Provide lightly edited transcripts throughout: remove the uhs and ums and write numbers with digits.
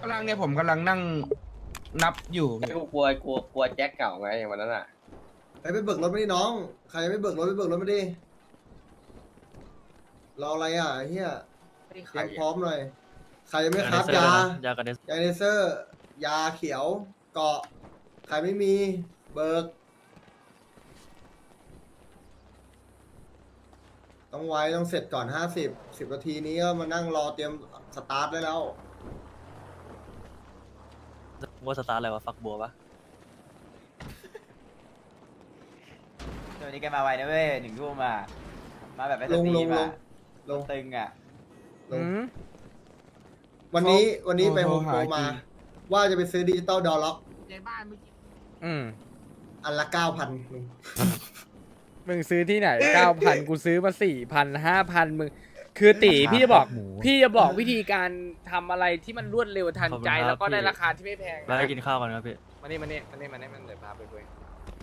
ำลังเนี่ยผมกำลังนั่งนับอยู่ไม่กลัวแจ็คเก่าไงอย่างวันนั้นอ่ะใครไปเบิกรถไม่ได้น้อง ใครยังไม่เบิกรถไปเบิกรถไม่ได้รออะไรอ่ะไอ้เฮียเตรียมพร้อมหน่อย ใครยังไม่ครับยายาเนเซอร์ ยาเขียว เกาะ ใครไม่มีเบิก ต้องไว้ต้องเสร็จก่อน10 นาทีนี้ก็มานั่งรอเตรียมสตาร์ทได้แล้วว่าสตาร์ทอะไรวะฟักบัวปะตัวนี้แกมาไวนะเว้ย1 ทุ่มอ่ะมาแบบไม่สลงตรีลงมลอ่ะงลงตึงอ่ะลงวันนี้ไปโฮมโปรมา ว่าจะไปซื้อดิจิตอลดอลล็อกในบ้านเมื่อกี้อันละ 9,000 มึงซื้อที่ไหน 9,000 กูซื้อมา 4,000 5,000 มึง คือตีพี่จะบอกวิธีการทำอะไรที่มันรวดเร็วทันใจแล้วก็ได้ราคาที่ไม่แพงแล้วไปกินข้าวกันครับพี่มานี่มันเดี๋ยวพาไปคุย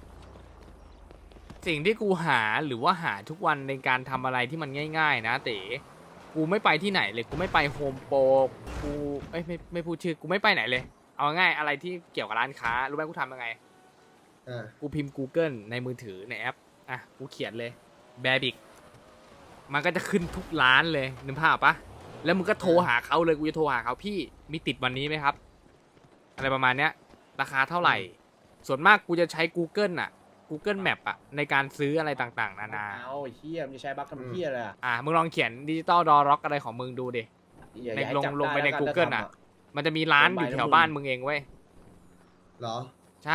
สิ่งที่กูหาหรือว่าหาทุกวันในการทำอะไรที่มันง่ายๆนะเต๋กูไม่ไปที่ไหนเลยกูไม่ไปโฮมโปรกูไม่พูดชื่อกูไม่ไปไหนเลย เอาง่ายอะไรที่เกี่ยวกับร้านค้ารู้ไหมกูทำยังไง กูพิมพ์ Google ในมือถือในแอป อ่ะ กูเขียนเลยแบบิกมันก็จะขึ้นทุกร้านเลยนึกภาพปะแล้วมึงก็โทรหาเขาเลย กูจะโทรหาเขาพี่ มีติดวันนี้ไหมครับ อะไรประมาณเนี้ย ราคาเท่าไหร่ ส่วนมากกูจะใช้ Google อ่ะ Google Map อ่ะ ในการซื้ออะไรต่างๆ นานาเอาไอ้เฮียมันจะใช้บัคทำเฮียเลยอ่ะมึงลองเขียนดิจิตอลดอร็อกอะไรของมึงดูดิอย่าในให้ลงจับลงไปได้ในแล้วกัน Google ถ้าอ่ะทำมันจะมีร้านอยู่แถวบ้านมึงเองเว้ยเหรอใช่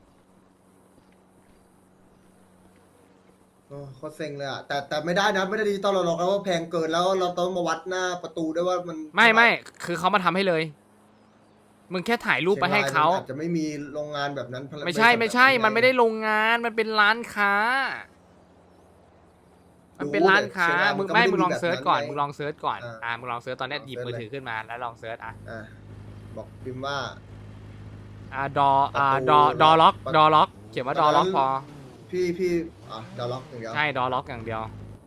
โอ้โคตรเซ็งเลยอ่ะแต่ไม่ได้นะไม่ได้ดิจิตอลล็อกแล้วว่าแพงเกินแล้วเราต้องมาวัดหน้าประตูด้วยว่ามันไม่คือเขามาทำให้เลย มึงแค่ถ่ายรูปไปให้เขาชียงรยมันอาจจะไม่มีโรงงานแบบนั้นไม่ใช่ มันไม่ได้โรงงาน มันเป็นร้านค้า มันเป็นร้านค้า มึงลองเซิร์ชก่อน มึงลองเซิร์ชก่อน มึงลองเซิร์ชตอนนี้หยิบมือถือขึ้นมาแล้วลองเซิร์ชบอกพิมพ์ว่าดอล็อก เขียนว่าดอล็อกพอพี่ดอลล็อกอย่างเดียวใช่ ดอล็อกอย่างเดียว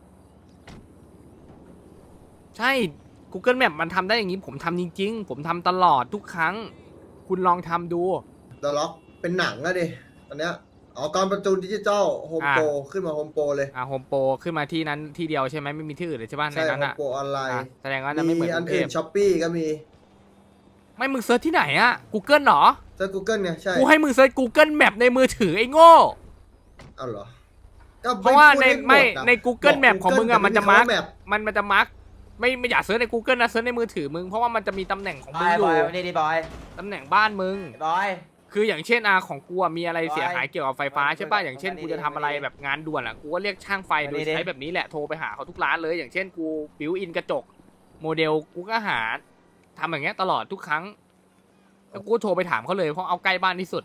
ใช่ Google Map มันทำได้อย่างนี้ ผมทำจริงๆ ผมทำตลอดทุกครั้ง คุณลองทำดูดอลล็อกเป็นหนังอะดิตอนเนี้ยตอนประตูดิจิตอลโฮมโปรขึ้นมาโฮมโปรเลยโฮมโปรขึ้นมาที่นั้นที่เดียวใช่ไหมไม่มีที่อื่นเลยใช่ป่ะในใช่นั้นโฮมอ่ะโปรออนไลน์แสดงว่าจะไม่เหมือนมีกอันรุงเทอื่พนช้อปปี้ก็มีไม่มึงเซิร์ชที่ไหนอ่ะ Google เหรอเซิร์ช Google ไงใช่กูให้มึงเซิร์ช Google Map ในมือถือไอ้โง่เอาเหรอก็เพราะว่าพูดให้หมดอะใน Google บอก Map ของมึงอ่ะ Google มันจะมาร์กแต่ไคำว่ Map มันจะมาร์กไม่อยากเซิร์ชใน Google นะเซิร์ชในมือถือมึงเพราะว่ามันจะมีตำแหน่งของบมึอง ยอบ ยู่อยวันนี้ดิบอยตำแหน่งบ้านมึงบอยคืออย่างเช่นของกูอะมีอะไรเสียหายเกี่ยวกับไฟฟ้าใช่ป่ะอย่างเช่นกูจะทำอะไรแบบงานด่วนอ่ะกูก็เรียกช่างไฟโดยใช้แบบนี้แหละโทรไปหาเขาทุกร้านเลย อย่างเช่นกูบิวอินกระจกโมเดลกูก็หาทำอย่างเงี้ยตลอดทุกครั้งแล้วกูโทรไปถามเขาเลยเพราะเอาใกล้บ้านที่สุด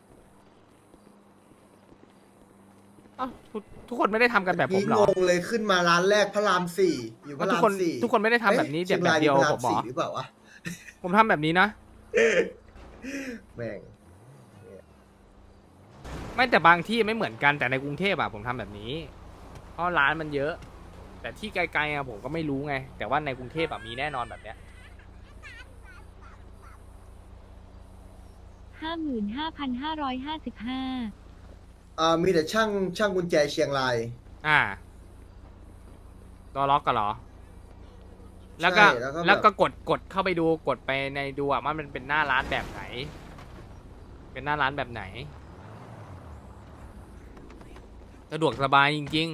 ทุกคนไม่ได้ทำกันแบบผมเหรองงเลยขึ้นมาร้านแรกพระราม 4อยู่พระทุราก มคน 4 ทุกคนไม่ได้ทำแบบนี้เชียงแบบรายเดียวพระรามผมหรอ 4หรือเปล่าวะผมทำแบบนี้นะแม่งไม่แต่บางที่ไม่เหมือนกันแต่ในกรุงเทพอะผมทำแบบนี้ เพราะร้านมันเยอะ แต่ที่ไกลๆอะผมก็ไม่รู้ไง แต่ว่าในกรุงเทพอะมีแน่นอนแบบเนี้ย 55,555 มีแต่ช่างกุญแจเชียงรายตัวล็อกกันเหรอ แล้วก็ใช่แล้วก็แบบกดเข้าไปดูกดไปในดูอะว่ามันเป็นหน้าร้านแบบไหน เป็นหน้าร้านแบบไหนสะดวกสบายจริง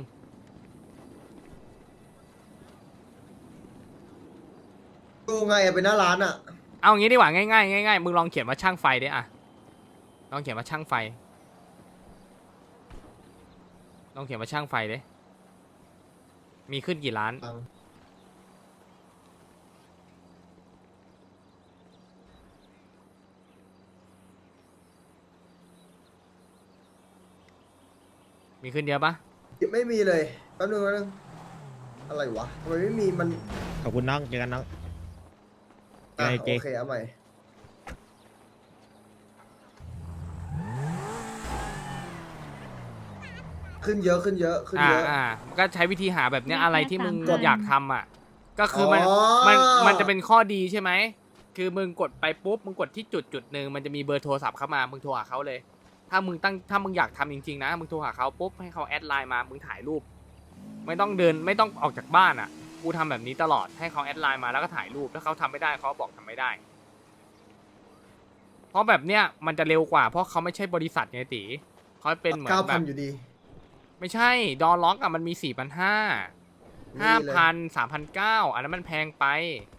ๆดูไงอะเป็นหน้าร้านอะเอางี้ดีกว่าง่ายๆง่ายๆมึงลองเขียนว่าช่างไฟดิอะลองเขียนว่าช่างไฟลองเขียนว่าช่างไฟดิมีขึ้นกี่ร้านมีขึ้นเยอะปะไม่มีเลยแป๊บนึงอะไรวะทำไมไม่มีมันขอบคุณน้องเจอกันน้องอ่ะโอเคโอเคเอาใหม่ขึ้นเยอะขึ้นเยอะขึ้นเยอะก็ใช้วิธีหาแบบเนี้ยอะไรที่มึงกดอยากทำอ่ะ ก็คือมันอ๋อมันจะเป็นข้อดีใช่ไหมคือมึงกดไปปุ๊บมึงกดที่จุดหนึ่งมันจะมีเบอร์โทรศัพท์เข้ามามึงโทรหาเขาเลย ถ้ามึงอยากทำจริงๆนะมึงโทรหาเขาปุ๊บให้เขาแอดไลน์มามึงถ่ายรูป ไม่ต้องเดินไม่ต้องออกจากบ้านอ่ะกูทำแบบนี้ตลอดให้เขาแอดไลน์มาแล้วก็ถ่ายรูปถ้าเขาทำไม่ได้เขาบอกทำไม่ได้ เพราะแบบเนี้ยมันจะเร็วกว่าเพราะเขาไม่ใช่บริษัทไงตีเขาเป็นเหมือนแบบ 9,000อยู่ดีไม่ใช่ดอลล็อกอะมันมี4,500 นี่เลย 5,000 3,900อันนั้นมันแพงไป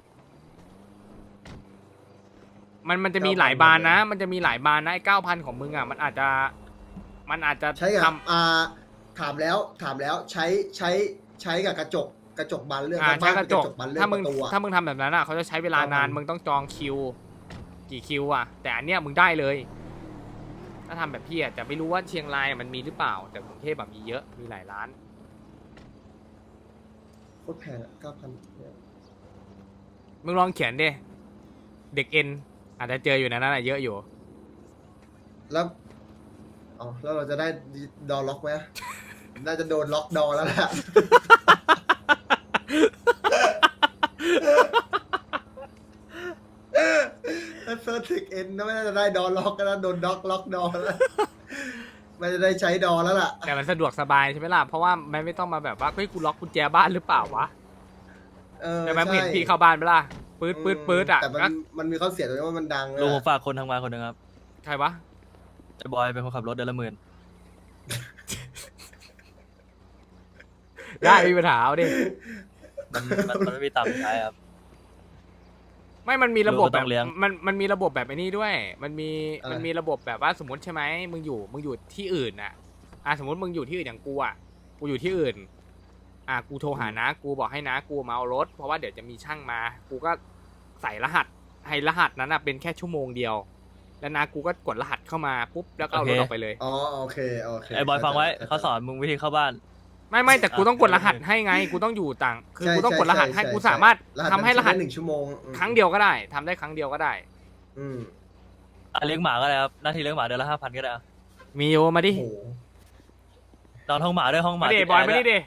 มันจะมีหลายบานนะ มันจะมีหลายบานนะไอ้9,000ของมึงอะมันอาจจะใช้กับทำถามแล้วใช้กับกระจกบานเลื่อนใช้กระจกบานเลื่อนถ้ามึงประตูอะถ้ามึงทำแบบนั้นอะเขาจะใช้เวลานาน 9,000 มึงต้องจองคิว กี่คิวอะแต่อันเนี้ยมึงได้เลย ถ้าทำแบบพี่อะจะไม่รู้ว่าเชียงรายมันมีหรือเปล่า แต่กรุงเทพแบบมีเยอะมีหลายร้านโคตรแพงอะ9,000 มึงลองเขียนดิเด็กเอ็นอาจจะเจออยู่ในนั้นอะเยอะอยู่แล้วแล้วเราจะได้ดอล็อกไหม น่าจะโดนล็อกดอแล้วแหละ ถ้าเซิร์ชถึกเอ็นไม่น่าจะได้ดอล็อกก็น่าโดนล็อกดอแล้ว ไม่จะได้ใช้ดอแล้วล่ะแต่มันสะดวกสบายใช่ไหมล่ะ เพราะว่ามันไม่ต้องมาแบบว่าเฮ้ยกูล็อกกุญแจบ้านหรือเปล่าวะ ใช่ไหมมึงเห็นพี่เข้าบ้านไหมล่ะปื๊ดอ่ะแต่มันมีข้อเสียตรงที่ว่ามันดังลุงผอะมฝากคนทำงานคนหนึ่งครับใครวะไอ้บอยเป็นคนขับรถเดือนละ10,000 ได้มีปัญหาเอาดิมันไม่มีตังค์ใช้ครับไม่มันมีระบบลูกก็แบต้บองเลี้ยงมันมีระบบแบบไอ้นี่ด้วย มันมีระบบแบบว่าสมมติใช่ไหมมึงอยู่ที่อื่นน่ะสมมติมึงอยู่ที่อื่นอย่างกูอ่ะกูอยู่ที่อื่นกูโทรหานะกูบอกให้นะกูมาเอารถเพราะว่าเดี๋ยวจะมีช่างมา กูก็ใส่รหัสให้รหัสนั้นเป็นแค่ชั่วโมงเดียว แล้วนะกูก็กดรหัสเข้ามาปุ๊บแล้วก็เอารถออกไปเลยอ๋อโอเคไอ้บอยฟังไว้เขาสอนมึงวิธีเข้าบ้านไม่แต่กูต้องกดรหัสให้ไงกูต้องอยู่ต่างคือกูต้องกดรหัสให้กูสามารถทำให้รหัส 1 ชั่วโมงครั้งเดียวก็ได้ทำได้ครั้งเดียวก็ได้อืมเลี้ยงหมาก็ได้ครับหน้าที่เลี้ยงหมาเดือนละ5,000ก็ได้อะมีโยมาดิโอ้โหนอนห้องหมาด้วยห้องหมามาดิติดบอยแร์มาด้ดิวยดิ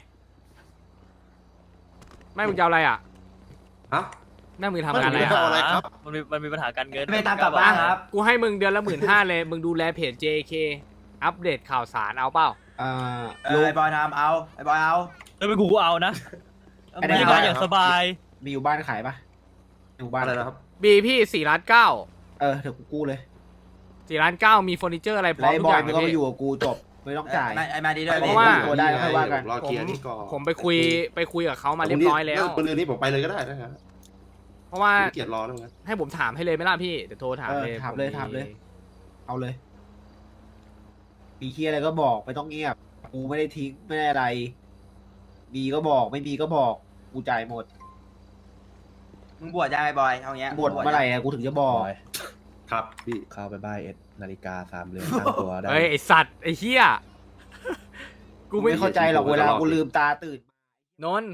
แม่มึงจะเอาอะไรอ่ะฮะแม่มึงทำงานอะไรไม่ต้อ่ะองอะไรครับมันมีปัญหาการเงินไม่ตามกลับบ้านครับกูให้มึงเดือนละ15,000เลยมึงดูแลเพจ JK อัปเดตข่าวสารเอาเปล่าไอ้บอยทำเอาไอ้บอยเอาแล้วเป็นกูเอานะไอ้มีบบ้าอน ยอย่างสบายมีอยู่บ้านขายปะอยู่บ้านอะไรนะครับบีพี่4,900,000 เดี๋ยวกูกู้เลย 4,900,000มีเฟอร์นิเจอร์อะไรพร้แล้อวมไอ้ทุบกออย ย่างมึงเลก็ยมาพี่อยู่กับกูจบไม่ต้องจ่ายไอ้มาดีด้วยเพราะว่าตัวได้แล้วค่อยว่ากันรอเคลียร์นี่ก่อนผมไปคุยกับเขามาเรียบร้อยแล้วปืนนี้ผมไปเลยก็ได้นะครับเพราะว่าไม่เกียดรอแล้วงั้นให้ผมถามให้เลยไหมล่ะพี่เดี๋ยวโทรถามเลยถามเลยผถามเลย เอาเลยมีเคลียร์อะไรก็บอกไม่ต้องเงียบกูไม่ได้ทิ้งไม่ได้อะไรมีก็บอกไม่มีก็บอกกูจ่ายหมดมึงบวชยังไอ้บอยเอาเงี้ยบทเมื่อไหร่อะกูถึงจะบอกครับพี่เข้าไปบ้านนาฬิกา3 เรือนตั้งตัวได้เฮ้ยไอสัตว์ไอเหี้ยกูไม่เข้าใจหรอกเวลากูลืมตาตื่นนนท์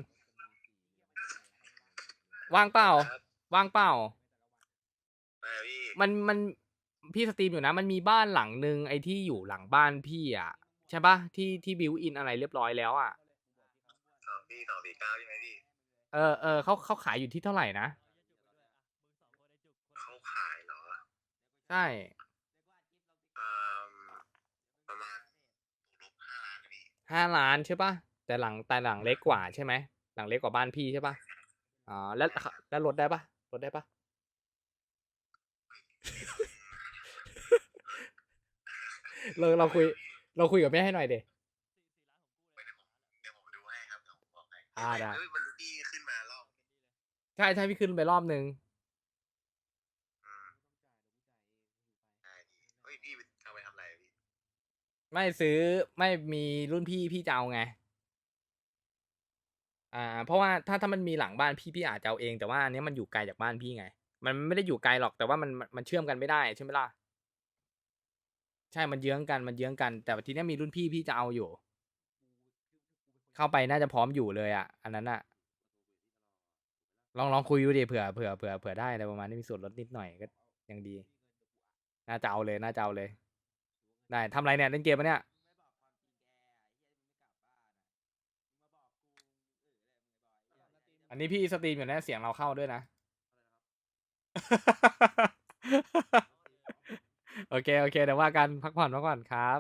ว่างเปล่าว่างเปล่ามันพี่สตรีมอยู่นะ มันมีบ้านหลังนึงไอที่อยู่หลังบ้านพี่อ่ะใช่ปะที่บิวอินอะไรเรียบร้อยแล้วอ่ะ249ใช่ไหมพี่เขาขายอยู่ที่เท่าไหร่นะเขาขายเหรอใช่ประมาณ5 ล้านใช่ปะแต่หลังเล็กกว่าใช่ไหมหลังเล็กกว่าบ้านพี่ใช่ปะอ๋อแล้วลดได้ปะลดได้ปะ เราคุยกับแม่ให้หน่อยเดได้ใช่พี่ขึ้นไปรอบนึงไม่ซื้อไม่มีรุ่นพี่จะเอาไงเพราะว่าถ้ามันมีหลังบ้านพี่อาจจะเอาเองแต่ว่าอันนี้มันอยู่ไกลจากบ้านพี่ไงมันไม่ได้อยู่ไกลหรอกแต่ว่ามันเชื่อมกันไม่ได้ใช่ไหมล่ะใช่มันเยื้องกันแต่ทีนี้มีรุ่นพี่จะเอาอยู่เข้าไปน่าจะพร้อมอยู่เลยอ่ะอันนั้นอ่ะลองคุยดูดิเผื่อได้อะไรประมาณนี้มีส่วนลดนิดหน่อยก็ยังดีน่าจะเอาเลยได้ทำอะไรเนี่ยเล่นเกมปะเนี่ยอันนี้พี่สตรีมอยู่นะเสียงเราเข้าด้วยนะโอเคโอเคเดี๋ยวว่ากันพักผ่อนครับ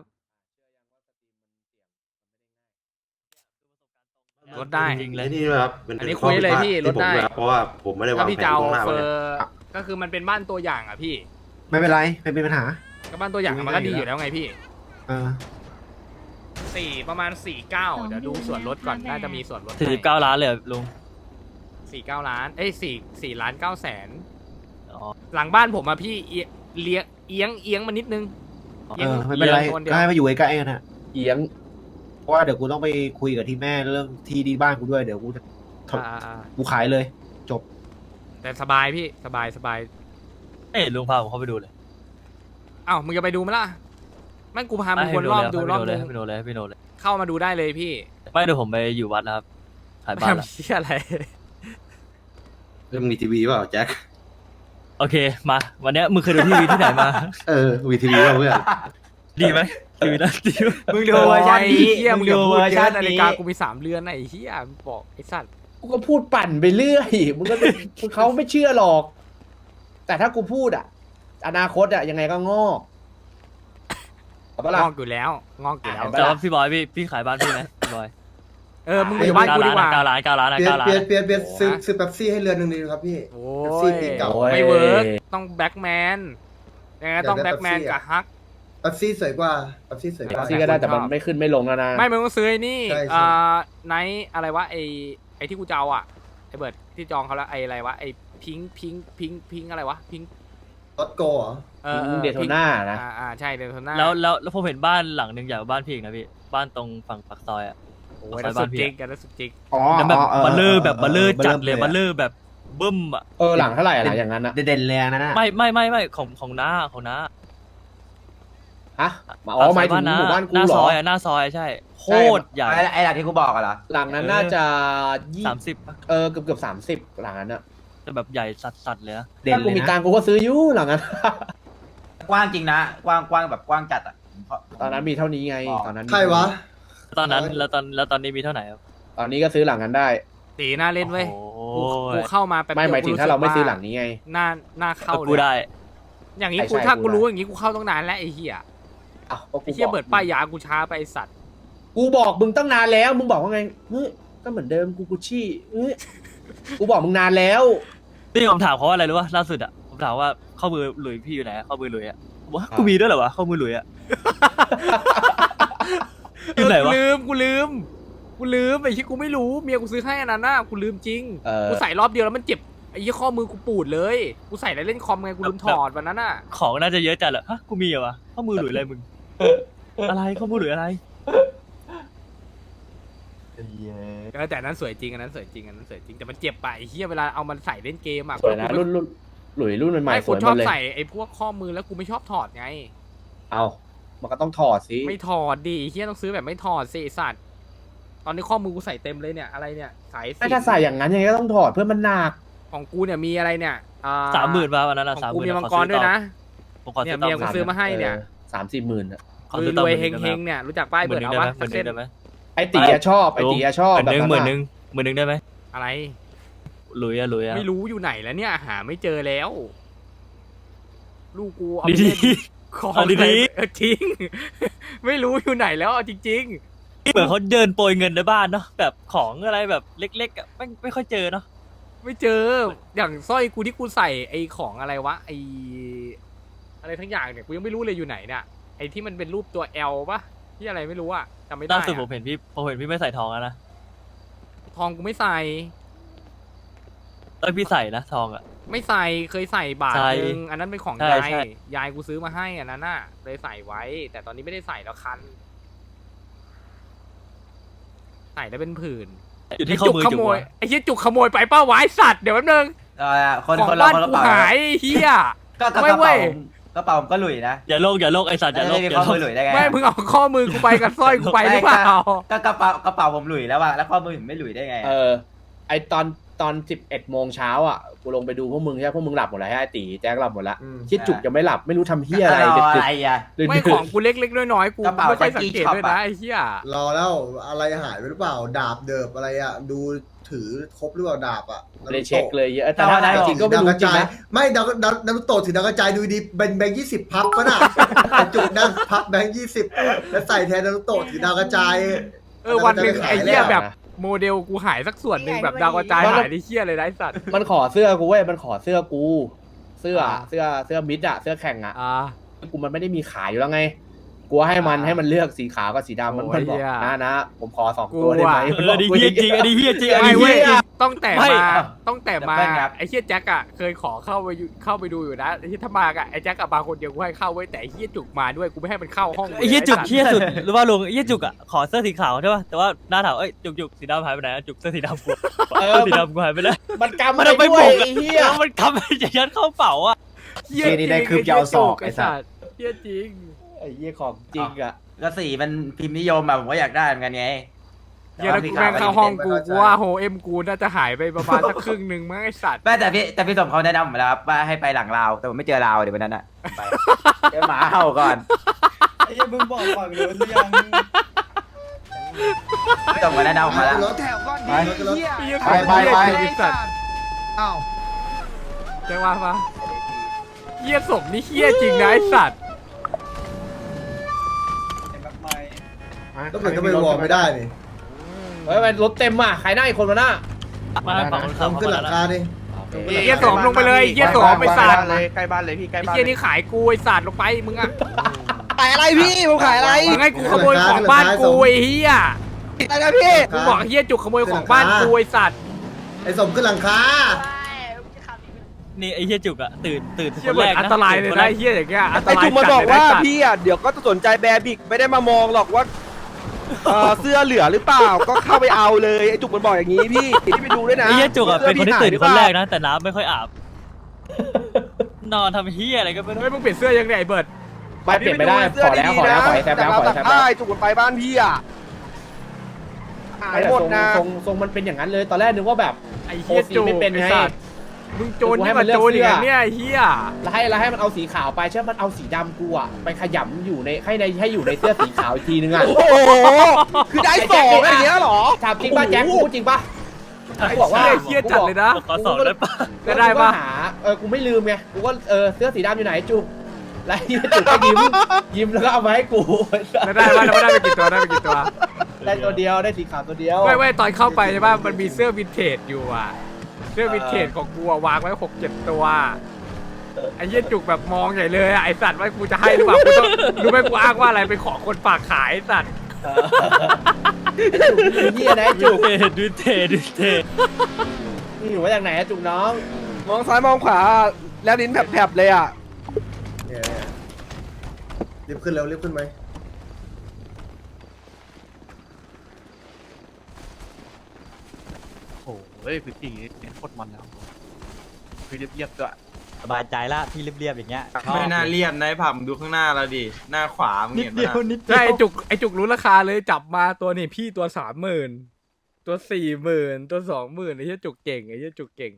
ลดได้จริงๆเลยนี่นะครับเป็นอันนี้คุยเลยพี่ที่ผมลดได้ด้วยครับเพราะว่าผมไม่ได้วาถ้าง พี่แผนจะเอาล่วงหน้าเฟไว้อเลยร์ก็คือมันเป็นบ้านตัวอย่างอ่ะพี่ไม่เป็นไรไม่เป็นปัญหาก็บ้านตัวอย่างมันก็ดีอยู่แล้วไงพี่เออประมาณ49เดี๋ยวดูส่วนลดก่อนน่าจะมีส่วนลด 49 ล้านเลยเหรอลุง 49 ล้าน4 ล้าน 9 แสนอ๋อหลังบ้านผมอะพี่เอียงมานิดนึงเออไม่เป็นไรโซนเดียวก็ให้มาอยู่ใกล้ๆกันนะเอียงเพราะว่าเดี๋ยวกูต้องไปคุยกับที่แม่เรื่องที่ดีบ้านกูด้วยเดี๋ยวกูจะอ่ากูขายเลย จบแต่สบายพี่สบายเอ้ยลุงพาผมเข้าไปดูเลยอ้าวมึงจะไปดูไหมล่ะแม่งกูพามึงวนรอบดูรอบนึงให้ไปดูเลยเข้ามาดูได้เลยพี่ไม่เดี๋ยวผมไปอยู่วัดแล้วครับขายบ้านละทำเชี่ยอะไรเรื่องมีทีวีเปล่าแจ็คโอเคมาวันเนี้ยมึงเคยดูทีวีที่ไหนมามีทีวีเปล่าเพื่อนดีไหมทีวีนะดีไหมมึงดูเวอร์ชันนี้เฮียมึงอย่าดูพูเวดอร์เยชัอะนนาฬินี้กากูมี3 เรือนไอ้เฮียมึงบอกไอ้สัตว์กูก็พูดปั่นไปเรื่อย มึงก็เขาไม่เชื่อหรอก แต่ถ้ากูพูดอ่ะ อนาคตอ่ะยังไงก็งอกเอาปะล่ะงอกอยู่แล้วงอกอยู่แล้วเห็นปะแต่ว่าพี่บอยพี่ขายบ้านพี่ไหมพี่บอยมึงอยู่บ้านกูดีกว่า 9 ล้าน9 ล้านเปลี่ยน 9 ล้านเปลี่ยนซื้อเป๊ปซี่ให้เรือนหนึ่งดีครับพี่โอ้เป๊ปซี่ยปีเก่าโอ้ยไม่เวิร์กต้องแบ็กแมนยังไงต้องอยากได้แบ็กแมน Pepsi กับฮักเป๊ปซี่สวยกว่าเป๊ปซี่สวยกว่าซี่ก็ได้แต่มันไม่ขึ้นไม่ลงแล้วนะไม่มึงต้องซื้อไอ้นี่ใช่ใช่ไนท์อะไรวะไอ้ที่กูจะเอาอ่ะไอ้เบิร์ดที่จองเขาแล้วไอ้อะไรวะไอ้พิงอะไรวะพิงรถโกเหรอเดโทน่านะใช่เดโทน่าแล้วผมเห็นบ้านหลังหนึ่งใหญ่กว่าบ้านพี่อีกนะพี่บ้านตรงฝั่งปากซอยอ่ะโอ้ยนั่นสุดจิกกันนั่นสุดจิกอ๋อแล้วแบบอ๋อบัลเลอร์แบบบัลเลอร์จัดเลยอะบัลเลอร์แบบบึ้มอ่ะหลังเท่าไหร่ล่ะอย่างนั้นอะเด่นๆเลยนะน่ะไม่ของน้าฮะหมายถึงหมู่บ้านกูหน้าเหรซออยหน้าซอยใช่โคตรใหญ่ไอ้หลักที่กูบอกอะเหรอหลังนั้นน่าจะยี่ 30ปะเกือบ30หลังนั้นอะแต่แบบใหญ่สัดเลยนะเด่นถ้าเลกูยมีนะตังค์กูก็ซื้ออยู่หลังนั้นกว้างจริงนะ กว้างแบบกว้างจัดอะตอนนั้นมีเท่านี้ไงตอนนั้นมีใครวะตอนนั้นแล้วตอนนี้มีเท่าไหร่ครับตอนนี้ก็ซื้อหลังนั้นได้ตีหน้าเล่นเว้ยโอ้กูเข้ามาแป๊บไม่เดียวหมายถึงถ้าเราไม่ซื้อหลังนี้ไงหน้าเข้าเลยกูได้อย่างนี้ใช่กูใช่ถ้ากูกูได้รู้อย่างนี้กูเข้าตั้งนานแล้วไอ้เหี้ยอ้าวก็กูไอ้เหี้ยบอกเบิร์ดป้ายยากูช้าไปไอ้สัตว์กูบอกมึงตั้งนานแล้ว มึงบอกว่าไงเฮ้ยก็เหมือนเดิมกูกุชชี่เฮ้ยกูบอกมึงนานแล้วนี่ผมถามเขาว่าอะไรรู้ป่ะล่าสุดอ่ะผมถามว่าข้อมือหลุยพี่อยู่ไหนข้อมือหลุยอ่ะบอกว่ากูมีด้วยเหรอวะข้อมือหลุยอ่ะ อยู่ไหนวะกูลืมไอ้ที่กูไม่รู้เมียกูซื้อให้อันนั้นน่ะกูลืมจริงเออกูใส่รอบเดียวแล้วมันเจ็บไอ้ยี่ข้อมือกูปูดเลยกูใส่แล้วเล่นคอมไงกูลืมถอดวันนั้นน่ะของน่าจะเยอะจัดเหรอฮะกูมีเหรอวะข้อมือหลุยอะไรมึงอะไรข้อมือหลุยอะไรแต่อันนั้นสวยจริงอันนั้นสวยจริงแต่มันเจ็บไปไอ้เหี้ยเวลาเอามันใส่เล่นเกมอ่ะสวยนะรุ่นหลุยรุ่นใหม่ไม่ๆสกูวยหชมอบดเลยใส่ไอ้พวกข้อมือแล้วกูไม่ชอบถอดไงเอามันก็ต้องถอดสิไม่ถอดดิไอ้เหี้ยต้องซื้อแบบไม่ถอดสิไอ้สัตว์ตอนนี้ข้อมือกูใส่เต็มเลยเนี่ยอะไรเนี่ยสายถ้าใส่อย่างนั้นยังไงก็ต้องถอดเพื่อมันหนักของกูเนี่ยมีอะไรเนี่ย 30,000มาวันนั้นอ่ะของกู 30,000 มีมังกรด้วยนะผมขอเนี่ซื้ยอเมียกูซื้อมาให้เนี่ย 30,000 อะขอซื้อต่รอวยหมื่นเฮงๆเนี่ยรู้จักป้ายหมื่เบินร์หดนึ่งเอาได้วะไหมหสักมื่นหเส้นนึ่งได้ไหมไอตีอะชอบไอตีอะชอบหมื่นหนึ่งแบบหมื่นหนึ่งได้ไหมอะไรหลุยอะไม่รู้อยู่ไหนแล้วเนี่ยหาไม่เจอแล้ว ลูกกูเอาดีไปเล่นของเอาดีๆอะไรจริง ไม่รู้อยู่ไหนแล้วเอาจริงๆเหมือนเขาเดินโปรยเงินในบ้านเนาะแบบของอะไรแบบเล็กๆอ่ะไม่ค่อยเจอเนาะๆ ไม่เจออย่างสร้อยกูที่กูใส่ไอ้ของอะไรวะไอ้อะไรทั้งอย่างเนี่ยกูยังไม่รู้เลยอยู่ไหนเนี่ยไอ้ที่มันเป็นรูปตัว L ปะที่อะไรไม่รู้อะจำไม่ได้ล่าสุดอะผมเห็นพี่ไม่ใส่ทองแล้วนะทองกูไม่ใส่พี่ใส่นะทองอ่ะไม่ใส่เคยใส่บาทใช่นึงอันนั้นเป็นของใช่ยายใช่ยายกูซื้อมาให้อันนั้นน่ะเลยใส่ไว้ แต่ตอนนี้ไม่ได้ใส่แล้วคันใส่แล้วเป็นผื่นอยู่ที่ข้อมือขจุกโมยวะไอ้เหี้ยจุกขโมยไปป้าไว้สัตว์เดี๋ยวแป๊บนึงคนของคนเราบ้านคนละกูเป๋าหายไอ้เหี้ยก็กระไม่เว้เป๋าย กระเป๋าผมก็หลุยนะอย่าโลกไอสัตว์อย่าโลไม่กได้อย่าข้อโลมือก หลุยได้ไงไม่มึงเอาข้อมือกูไปกับสร้อยกูไปหรือเปล่าก็กระเป๋าผมหลุยแล้วอะแล้วข้อมือผมไม่หลุยได้ไงไอตอน11 โมงเช้าอ่ะกูลงไปดูพวกมึงใช่ไหมพวกมึงหลับหมดแล้วไอตีแจ็คหลับหมดแล้วอืมคิดจุกยังไม่หลับไม่รู้ทำเฮียอะไรอะดึกไรอะๆดึกๆไม่ของกูเล็กๆน้อยๆกูกระเป๋าไม่ค่อยสังเกต Jackie ด้วย Shop นะอะไอ้เหี้ยรอแล้วอะไรหายไปหรือเปล่า ดาบเดิบอะไรอ่ะ ดูถถือครบหรือเปล่าดาบอ่ะไม่ได้เช็คเลยแต่ถ้าจริงก็ไม่ดาวรู้กระจริงจายนะไม่ดาวโตะถือดาวกระจายดูดีเป็นแบงค์20 พับก็น่ะ จุกนั่งพับแบงค์20แล้วใส่แทนดาวโตะถือดาวกระจายวันหนึ่งไอ้เหี้ยแล้วแบบโมเดลกูหายสักส่วนหนึ่งแบบดาวกระจายหายในเหี้ยเลยนะไอ้สัตว์มันขอเสื้อกูเว้ยมันขอเสื้อกู เสื้อมิดอะเสื้อแข่งอะ กูมันไม่ได้มีขายอยู่แล้วไงกูให้มันเลือกสีขาวกับสีดำมันบอกนะผมขอ2 ตัวได้ไหมอันนี้เฮียจริงอันนี้เฮียจริงอันไม่นี้เว้เฮียยต้องแต่ไม่มาไอ้เหี้ยแจ็คอะเคยขอเข้าไปดูอยู่นะไอ้ที่ถ้ามาอะไอ้แจ็คอะมาคนเดียวกูให้เข้าไว้แต่ไอ้เหี้ยจุกมาด้วยกูไม่ให้มันเข้าห้องไอ้เฮียจุกเฮียสุดหรือว่าลุงไอ้เฮียจุกอ่ะขอเสื้อสีขาวใช่ป่ะแต่ว่าหน้าถามเอ้ยจุกสีดำหายไปไหนจุกเสื้อสีดำกูเสื้อสีดำกูหายไปแล้วมันกำมันไปเอาไปด้วบยกไอ้เหี้ยแล้วมันกำไปจะยัดเข้าเป๋าอ่ะเหี้ยนี่ได้คืบยาวศอกไอ้สัสเหี้ยจริงไอ้เหี้ยของจริงอะก็สีมันพิมพ์นิยมอะผมก็อยากได้เหมือนกันไงเหี้ยแล้วกูแม่งเข้าห้องกูว่าโฮเอ็มกูน่าจะหายไปประมาณสักครึ่งหนึ่งมั้งไอ้สัตว์แม่แต่พี่สมเขาแนะนำผมแล้วครับว่าให้ไปหลังราวแต่ผมไม่เจอราวเดี๋ยววันนั้นอะไปเจอหมาเห่าก่อนไอ้ยังมึงบอกก่อนเลยหรือยังพี่สมเขาแนะนำผมมาแล้วรถแถวก้อนดีรถเหี้ยไปไอ้สัตว์อ้าวแจ้งว่ามาเหี้ยศพนี่เหี้ยจริงนะไอ้สัตว์ก็เหมือนก็ไปวอร์มไม่ได้นี่เฮ้ยมันรถเต็มอ่ะใครนั่งอีกคนวะน่ะมาเป๋าคนขับทำขึ้นหลังคาดิเหี้ยสมลงไปเลยเหี้ยสมไอ้สัตว์เลยใกล้บ้านเลยพี่ใกล้ไอ้บ้านเหี้ยนี่ขายกูไอ้สัตว์ลงไปมึงอะขายอะไรพี่ผมขายอะไรมึงให้กูขโมยของบ้านกูไอ้เหี้ยอะไรนะพี่กูบอกเหี้ยจุกขโมยของบ้านกูไอ้สัตว์ไอ้สมขึ้นหลังคานี่ไอ้เฮียจุกอ่ะตื่นเหี้ยคนเหมืแรอนกอันนะตรายเลยนะไอ้เหี้ยอย่างเงี้ยอันตไอ้รายจุกมาจัดบอกเลยนะว่าไอ้สัตว์พี่อ่ะเดี๋ยวก็จะสนใจแบร์บิกไม่ได้มามองหรอกว่าเสื้อเหลือหรือเปล่าก็เข้าไปเอาเลยไอ้จุกมันบอกอย่างนี้พี่ไปดูด้วยนะไอ้เฮียจุกอ่ะเป็นคนที่ตื่นสื้คนพี่แรหายกนะแต่น้ำไม่ค่อยอาบนอนทำเฮียอะไรก็ไม่รู้เฮ้ยมึงเปลี่ยนเสื้อยังไงไอ้เบิร์ดไม่เปลี่ยนไม่ได้ขอแล้วขอให้แซมแล้วขอให้แซมแล้วได้จุกมันไปบ้านพี่อ่ะหายหมดนะทรงมันเป็นอย่างนั้นเลยตอนแรกนึกว่าแบบไอ้เหี้ยโอ้สีจุกไม่เป็นไงไอ้สัตว์มึงโจรนี่มาโจรอย่างเงี้ยไอ้เหี้ยแล้วให้มันเอาสีขาวไปใช่ไหมมันเอาสีดำกูอ่ะไปขยำอยู่ในให้อยู่ในเสื้อสีขาวอีกทีนึงอ่ะโอ้โหคือได้สองอย่างเงี้ยเหรอถามจริงป่ะแจ็คกูพูดจริงป่ะกูบอกว่าเหี้ยจัดเลยนะขอสอบได้ปะจะได้ปะกูก็หากูไม่ลืมไงกูก็เสื้อสีดำอยู่ไหนจุกแล้วไอ้จุกก็ยิ้มแล้วก็เอามาให้กูจะได้ปะแล้วได้ไปกี่ตัวได้ไปกี่ตัวได้ตัวเดียวได้สีขาวตัวเดียวไม่ตอนเข้าไปใช่ป่ะมันมีเสื้อวินเทจอยู่อ่ะเสื้อวินเทจของกูอะวางไว้6-7 ตัวไอ้เหี้ยจุกแบบมองใหญ่เลยอะไอ้สัตว์ว่ากูจะให้หรือเปล่ากูต้องรู้ไหมกูอ้างว่าอะไรไปขอคนฝากขายไอ้สัตว์จุกเฮียนะจุกดูเทนี่อยู่มาจากไหนจุกน้องมองซ้ายมองขวาแล้วลิ้นแผลบๆเลยอ่ะเนี่ยรีบขึ้นเร็วรีบขึ้นไหมโอ้ยพี่ตีโคตรมันแล้วพี่เรียบๆด้วยสบายใจละพี่เรียบๆอย่างเงี้ยไม่น่าเรียบนะไอ้ผับมึงดูข้างหน้าเราดิหน้าขวามึงนิดเห็นเดียวปะนิดเดีใช่ยวไอ้จุกรู้ราคาเลยจับมาตัวนี่พี่ตัว30,000ตัว40,000ตัว20,000ไอ้เหี้ยจุกเก่งไอ้เหี้ยจุกเก่ง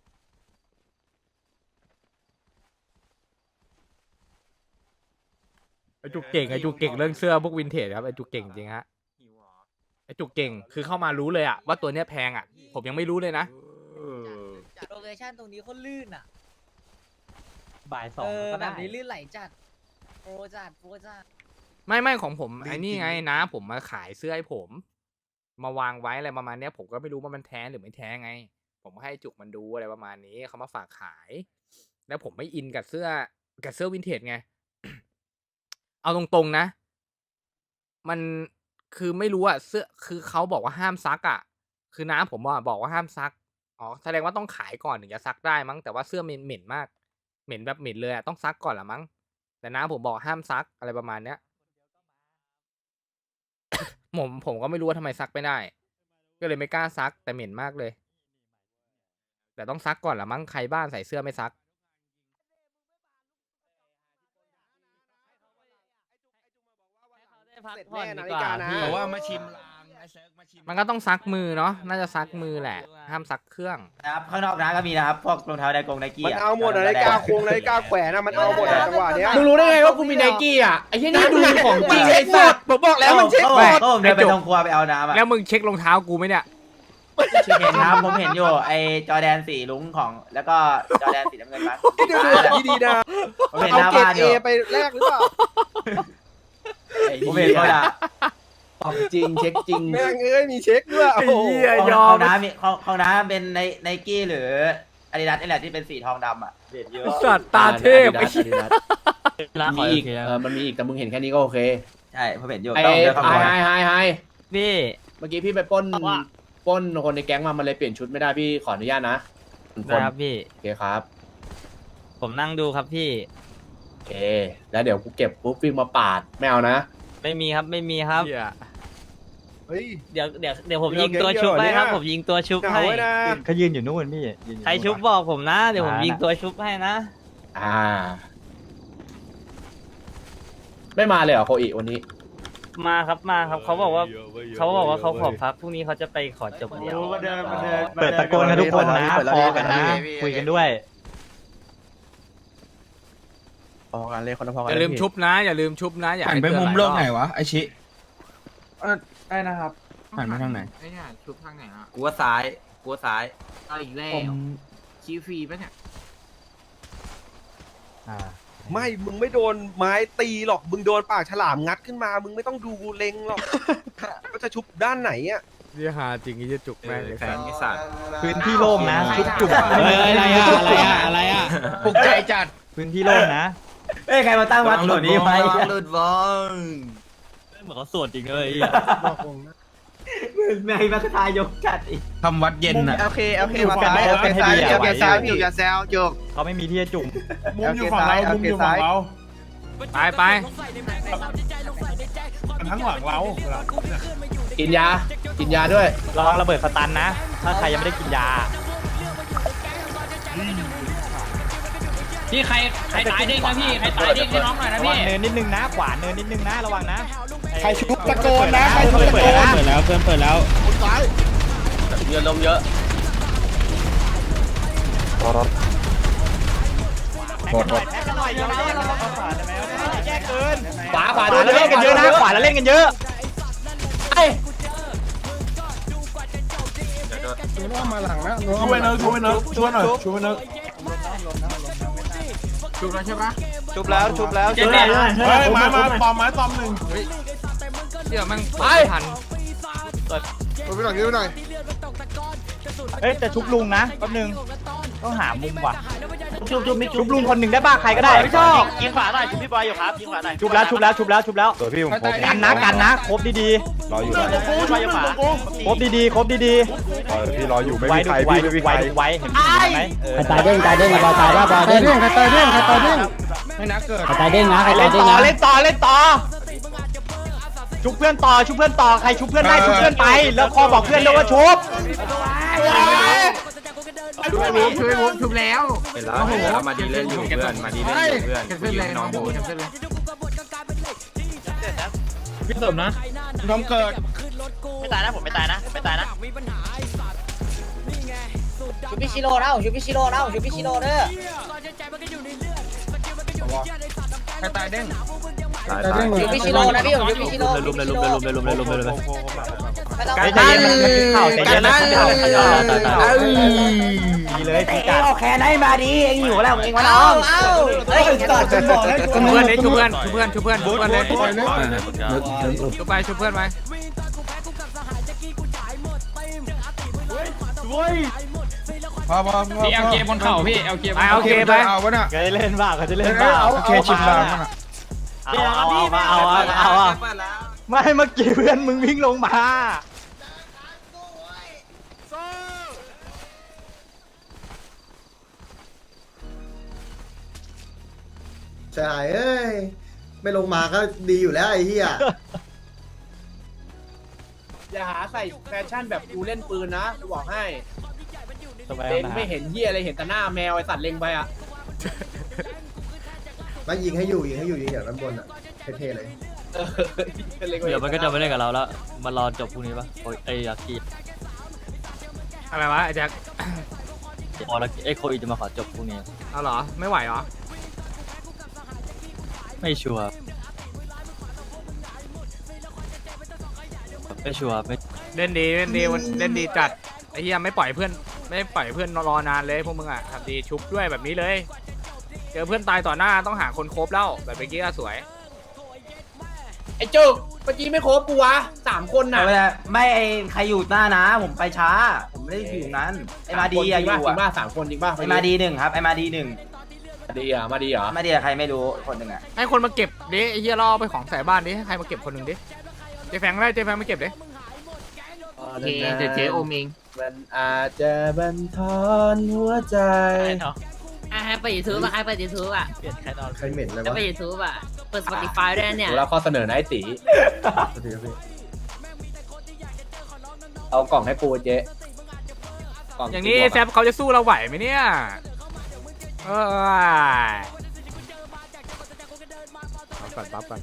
ไอ้จุกเก่งเรื่องเสื้อพวกวินเทจครับไอ้จุกเก่งจริงฮะไอ้จุกเก่งคือเข้ามารู้เลยอะว่าตัวเนี้ยแพงอะผมยังไม่รู้เลยนะโลเคชั่นตรงนี้โคตรลื่นอ่ะบ่ายสองแบก็ได้บนี้ลื่นไหลจัดโปรจัดไม่ของผมไอ้นี่ไงนะผมมาขายเสื้อให้ผม มาวางไว้อะไรประมาณเนี้ยผมก็ไม่รู้ว่ามันแท้หรือไม่แท้ไง ผมให้จุกมันดูอะไรประมาณนี้เขามาฝากขาย แล้วผมไม่อินกับเสื้อวินเทจไง เอาตรงๆนะ มันคือไม่รู้อะเสื้อคือเขาบอกว่าห้ามซักอะคือน้าผมบอกว่าห้ามซักอ๋อแสดงว่าต้องขายก่อนถึงจะซักได้มั้งแต่ว่าเสื้อเหม็นมากเหม็นแบบเหม็นเลยอะต้องซักก่อนละมั้งแต่น้าผมบอกห้ามซักอะไรประมาณเนี้ย ผมก็ไม่รู้ว่าทำไมซักไม่ได้ ก็เลยไม่กล้าซักแต่เหม็นมากเลย แต่ต้องซักก่อนละมั้งใครบ้านใส่เสื้อไม่ซักพักผ่อนดีกว่าเพราะว่ามาชิมลางไอ้เซิร์กมาชิมมันก็ต้องซักมือเนาะน่าจะซักมือแหละ ห้ามซักเครื่องนะครับข้างนอกร้านก็มีนะครับพวกรองเท้าไดกงไดกี้มันเอาหมดอะนาฬิกาโคงนาฬิกาแขวนอะมันเอาหมดอะจังหวะเนี้ยมึงรู้ได้ไงว่ากูมีไนกี้อ่ะไอ้เหี้ยนี่ดูของจริงไอ้สัตว์ผมบอกแล้วมันเช็คหมดก็ผมเดินไปตรงครัวไปเอาน้ำอะแล้วมึงเช็ครองเท้ากูไหมเนี่ยเห็นครับผมเห็นอยู่ไอจอแดนสีลุงของแล้วก็จอแดนสีน้ำเงินมั้งดูดีๆนะผมเห็นหเอาน้าเกรบ้าดนอเอยู่ ไปแลกหรือเปล่าผมเห็นเขาด่าปรับจริงเช็คจริงแม่งเอ้ยมีเช็คด้วยไอ้โอ้โหเหี้ยยอขมองน้ำมีของน้ำเป็นไนกี้หรืออาดิดาสนี่แหละที่เป็นสีทองดำอ่ะเด็ดเยอะสัตว์ตาเทพไอ้เหี้ยมีอีกมันมีอีกแต่มึงเห็นแค่นี้ก็โอเคใช่ผมเห็นอยู่ไอ้ต้องเดินเข้าไฮมาไฮพี่เมื่อกี้พี่ไปปล้นคนในแก๊งมามันเลยเปลี่ยนชุดไม่ได้พี่ขออนุญาตนะนะครับพี่โอเคครับผมนั่งดูครับพี่โอเคแล้วเดี๋ยวกูเก็บปุ๊บวิ่งมาปาดไม่เอานะไม่มีครับไม่มีครับเหี้ยเฮ้ยเดี๋ยวผมยิงตัวชุบให้ครับ ผมยิงตัวชุบเหงาให้ไว้นะเขายืนอยู่นู่นพี่ใครชุบบอกผมนะ เดี๋ยวผมยิงตัวชุบให้นะไม่มาเลยเหรอโคอิวันนี้มาครับมาครับเขาบอกว่าเขาขอพักพรุ่งนี้เขาจะไปขอจบเดียวเปิดตะโกนกันทุกคนนะพอกันนะคุยกันด้วยพอกันเลยคนละพอกันอย่าลืมชุบนะ อย่าลืมชุบนะอย่าหันให้ไปเตือนมุมหลายโลรกอบไหนวะไอชิได้นะครับหันไปทางไหนไอ้เนี่ยชุบทางไหนอ่ะกูว่าซ้ายเอาอีกแล้วชี้ฟรีปะเนี่ยไม่มึงไม่โดนไม้ตีหรอกมึงโดนปากฉลามงัดขึ้นมามึงไม่ต้องดูเล็งหรอกว่าจะชุบด้านไหนอ่ะนี่หาจริงไอ้เหี้ยจุกแม่งเลยแฟนกิสัตพื้นที่โล่งนะชุบจุกอะไรอ่ะปลุกใจจัดพื้นที่โล่งนะเอ้ยใครมาตั้งวัดหลุดนี้ไว้หลุดวองเหมือนเขาสวดจริงเลยไม่มาคทายกจัดอีกทำวัดเย็นอ่ะโอเคมาซ้ายโอเคซ้ายโอเคซ้ายพี่อย่าแซวจกเขาไม่มีที่จะจุ่มมุมอยู่ฝั่งเรามุมอยู่ฝั่งเราไปทั้งหลังเรากินยาด้วยระวังระเบิดสตันนะ ถ้าใครยังไม่ได้กินยาพี่ใครตายเด้งนะพี่ใครตายเด้งให้น้องหน่อยนะระวัพี่งเนินนิดนึงนะ ขวาเนินนิดนึงนะ ระวังนะใครชุบตะโกนนะใครชุบตะโกนเปิดแล้วเพื่อนเปิดแล้วซ้ายเยอะลมเยอะขวาแล้วเล่นกันเยอะนะ ขวาแล้วเล่นกันเยอะมาหลังนะช่วยเนิร์ช่วยเนิร์ช่วยหน่อยช่วยเนิร์ชุบแล้วใช่ปะชุบแล้วเจ๊เนี่ยมาปอมไม้ปอมหนึ่งเดี๋ยวแม่งไปทันไปหน่อยไปหน่อยเอ้ยแต่ชุบลุงนะแป๊บนึงต้องหามุมว่ะชุบลุงคนหนึ่งได้ป่ะใครก็ได้ไม่ชอบยิงขวาหน่อยชุบพี่บอยอยู่ครับยิงขวาหน่อยชุบแล้วตัวพี่ผมกันนะครบดีๆรออยู่พี่บอยอยู่ขวาครบดีพี่รออยู่ไม่มีใครพี่ไม่มีใครไว้เห็นไหมตายเด้งบอลตายว่าบอลเด้งไม่นักเกิดตายเด้งนะเล่นต่อชุบเพื่อนต่อใครชุบเพื่อนได้ชุบเพื่อนไปแล้วคอบอกเพื่อนด้วยว่าชุบชุบแล้วเป็นแล้วมาดีเล่นอยู่เพื่อนมาดีเล่นอยู่เพื่อนแคนเซิลเลยน้องโบแคนเซิลเลยพี่เสริมนะน้องเกิดไม่ตายนะผมไม่ตายนะชูพิชิโร่นะชูพิชิโร่เด้อใครตายเด้งชูพิชิโร่นะพี่ผมชูพิชิโร่ลุมเลยใจเย็นข่าวใจเย็นนะดีเลยพี่จัดเอาแค่ไหนมาดีเองอยู่แล้วเองวะน้องเฮ้ยตัดจนบอกแล้วชุบเพื่อนเลยชุบเพื่อนเลยชุบเพื่อนไปพอพี่เอาเกมบนเข่าพี่เอาเกมไปเอาวะน่ะเขาจะเล่นบ้าโอเคชิมลางเอาไม่เมื่อกี้เพื่อนมึงวิ่งลงมาใช่เอ้ยไม่ลงมาก็ดีอยู่แล้วไอ้เหี้ยอย่าหาใส่แฟชั่นแบบกูเล่นปืนนะกูบอกให้สบายเล่นนะไม่เห็นเหี้ยอะไรเห็นแต่หน้าแมวไอสัตว์เล็งไปอ่ะมายิงให้อยู่ยิงอย่างด้านบนอ่ะเท่ๆเลยเดี๋ยวมันก็จะไม่เล่นกับเราแล้วมารอจบพรุ่งนี้ปะไอ้ยักษ์กีอะไรวะไอ้แจ็คไอ้โคอีจะมาขอจบพรุ่งนี้เอาเหรอไม่ไหวเหรอไม่ชัวร์ไม่เล่นดีจัดไอ้เหี้ยไม่ปล่อยเพื่อนรอนานเลยพวกมึงอ่ะทำดีชุบด้วยแบบนี้เลยเจอเพื่อนตายต่อหน้าต้องหาคนครบแล้วแบบเมื่อกี้ก็สวยไอ้จุกเมื่อกี้ไม่ครบกูวะ3 คนน่ะไม่ไอใครอยู่หน้านะผมไปช้าผมไม่ได้อยู่นั้นไอมาดีอะอยู่จริงป่ะอะ 3 คนจริงป่ะไอมาดี1ครับไอมาดี1 มาดีเหรอมาดีอะใครไม่รู้คนหนึ่งอะให้คนมาเก็บดิไอ้เหี้ยล่อไปของใส่บ้านดิให้ใครมาเก็บคนหนึ่งดิเจ๊แฟงได้เจ๊แฟงมาเก็บดิเจ๊โอมิงมันอาจจะบันทอนหัวใจให้ไปยูทูบอ่ะให้ไปยูทูบอ่ะเปลี่ยนแค่นอนใครเหม็นเลยวะจะไปยูทูบอ่ะเปิด Spotify ด้วยเนี่ยดูแล้วข้อเสนอนะไอ้ตีเอากล่องให้ปูเจ๊กล่อย่างนี้แซฟเขาจะสู้เราไหวไหมเนี่ยปั๊บก่อน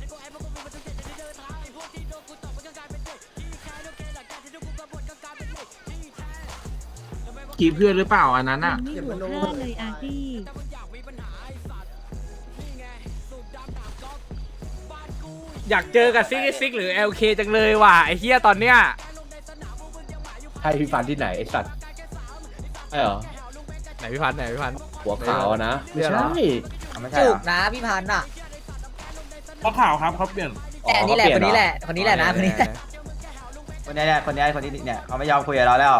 กีเพื่อนหรือเปล่าอันนั้นอ่ะเก็บมันโน้เลยอาร์ตี้อยากเจอกับซิกหรือ LK จังเลยว่ะไอ้เหี้ยตอนเนี้ยให้พี่ฟันที่ไหนไอ้สัตว์ใช่เหรอไหนพี่พันธ์หัวขาวอะนะไม่ใช่ไม่ใช่จุเหรกอนะพี่พันธ์อ่ะเขาข่าวครับเขาเปลี่ยนแต่นี่แหละคนนี้แหละคนนี้แหละนะคนนี้แหละคนนี้เนี่ยเขาไม่ยอมคุยกับเราแล้ว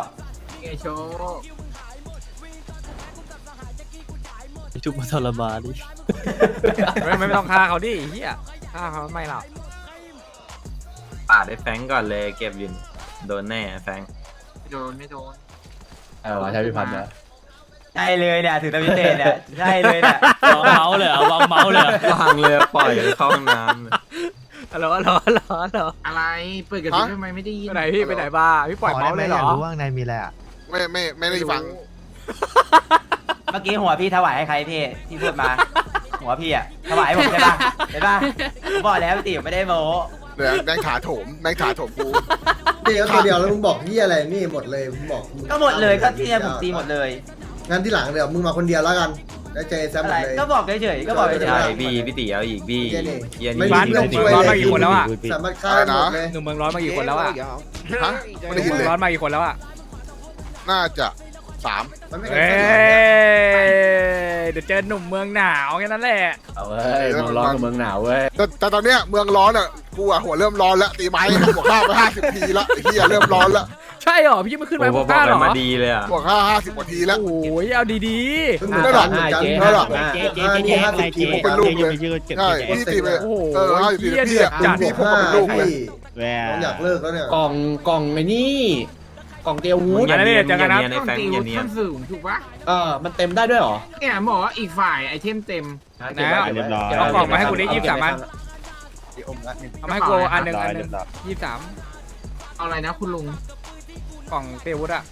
จุกมาทรมานดิไม่ต้องฆ่าเขาดิไอ้เหี้ยฆ่าเขาไม่หรอกปาดไอ้แฟงก่อนเลยเก็บยืนโดนแน่แฟงไม่โดนใช่พี่พันธ์นะใช่เลยเนี่ยถือตะวิเตนเนี่ยใช่เลยเนี่ยวางเมาส์เลยเหรอวางเมาส์เลยเหรอวางเลยปล่อยเข้าห้องน้ำเลยฮัลโหลอะไรเปิดกระดิ่งทำไมไม่ได้ยินไปไหนพี่ไปไหนบ้าพี่ปล่อยเมาส์เลยเหรอไม่ได้ฟังเมื่อกี้หัวพี่ถวายให้ใครพี่ที่พูดมาหัวพี่อะถวายผมใช่ปะเห็นปะผมบอกแล้วพี่ติ๋วไม่ได้โม้เดี๋ยวแม่งถาโถมกูเดี๋ยวตัวเดียวแล้วมึงบอกที่อะไรนี่หมดเลยมึงบอกก็หมดเลยก็ที่เนี่ยผมตีหมดเลยงั้นที่หลังเดี๋ยวมึงมาคนเดียวแล้วกันได้เจอแซมหอะมไรดเลยก็บอกเฉยๆก็บอกเฉใช่ยพี่ตีเอาอีกพี่ไม่มีเรื่องช่วยร้อนเลมาย กี่คนแล้วอ่ะสามารถฆ่าหมดเลยหนุ่มเมืองร้อนมากี่คนแล้วอ่ะฮะไม่ได้ยินเลยร้อนมากี่คนแล้วอ่ะน่าจะ3 มันไม่เฮ้ยเดี๋ยวเจอหนุ่มเมืองหนาวแค่นั้นแหละเอาเว้ยเมืองร้อนกับเมืองหนาวเว้ยแต่ตอนเนี้ยเมืองร้อนอ่ะกูอ่ะหัวเริ่มร้อนแล้วตีไม้บวก5ไป50 ทีละไอ้เหี้ยเริ่มร้อนแล้วใช่เหรอพี่ไม่ขึ้นไปโอ้บบวอก กห้าหรอมาดีเลยอ่ะบวก50 กว่าทีแล้วโอ้ยเอาดีเพิ่งเหมือนกันเหมือนกันเท่าไหร่50 ทีผมเป็นลูกเลย ใช่พี่ตีไปๆโอ้โห 50 ทีเหี้ยพี่เดือดอ่ะจัดพี่พวกเป็นลูกเลยน้องอยากเลิกแล้วเนี่ยกล่องไอ้นี่กล่องเตียววูดอย่าเนียนอย่าเนียนไอ้แฟงอย่าเนียนมันเต็มได้ด้วยเหรอเนี่ยบอกว่าอีกฝ่ายไอเทมเต็มนะเอากล่องมาให้กูได้23 อันเอามาให้กูอันหนึ่ง23 เอาอะไรนะคุณลุงกล่องเตวุฒอะ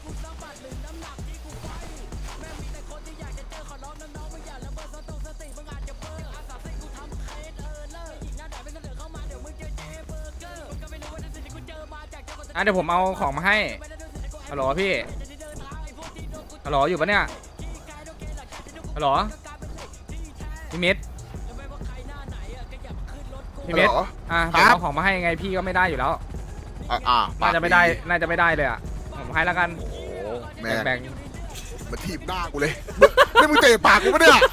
เดี๋ยวผมเอาของมาให้ฮัลโหลพี่ฮัลโหลอยู่ปะเนี่ยฮัลโหลพี่มิตรผมเอาของมาให้ไงพี่ก็ไม่ได้อยู่แล้วน่าจะไม่ได้เลยอ่ะผมให้แล้วกันแม่แบ่งมาทีบหน้ากูเลยนี่มึงเตะปากกูปะเนี่ย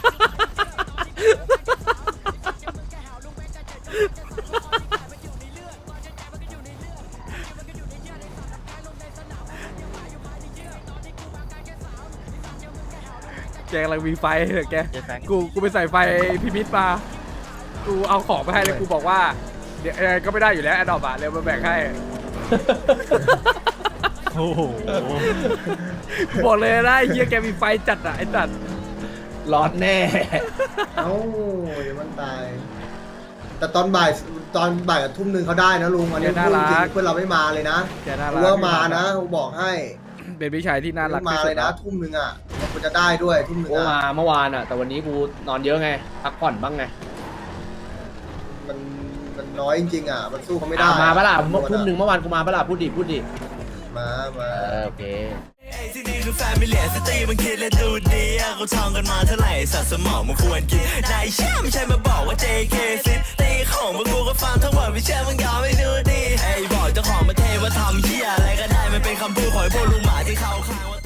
แกกำลังมีไฟเหรอแกกูไปใส่ไฟพี่มิตรมากูเอาของไปให้เลยกูบอกว่าเดี๋ยวก็ไม่ได้อยู่แล้วแอดดอปอะเร็วมาแบ่งให้โอ้โหบอกเลยนะไอ้เฮียแกมีไฟจัดอะไอ้จัดร้อนแน่เอ้าเดี๋ยวมันตาย แต่ตอนบ่ายกับทุ่มหนึ่งเขาได้นะลุงอันนี้พูดจริงเพื่อนเราไม่มาเลยนะแกน่ารักูกว่ามานะกูบอกให้เป็นพี่ชายที่น่ารักมาที่สุเลดยนะทุ่มหนึ่งอ่ะมันจะได้ด้วยทุ่มหนึ่งกูมาอ่ะเมื่อวานอ่ะแต่วันนี้กูนอนเยอะไงพักผ่อนบ้างไงมันน้อยจริงๆอ่ะมันสู้เขาไม่ได้มาปะล่ะทุ่มหนึ่งเมื่อวานกูมาปะล่ะพูดดิมาโอเคที่นี่คือแฟมิเลียสตรีมันคิดและดูดีเขาท่องกันมาเท่าไหร่สัตว์สมองมันควรกินนายเชื่อไม่ใช่มาบอกว่า JK ซิตีของพวกกูก็ฟังทั้งหมดไม่เชื่อมึงยอมไม่ดูดีไอ้บอกเจ้าของประเทศว่าทำเหี้ยอะไรก็ได้มันเป็นคำพูดของพวกลุงหมาที่เขาข้างว่า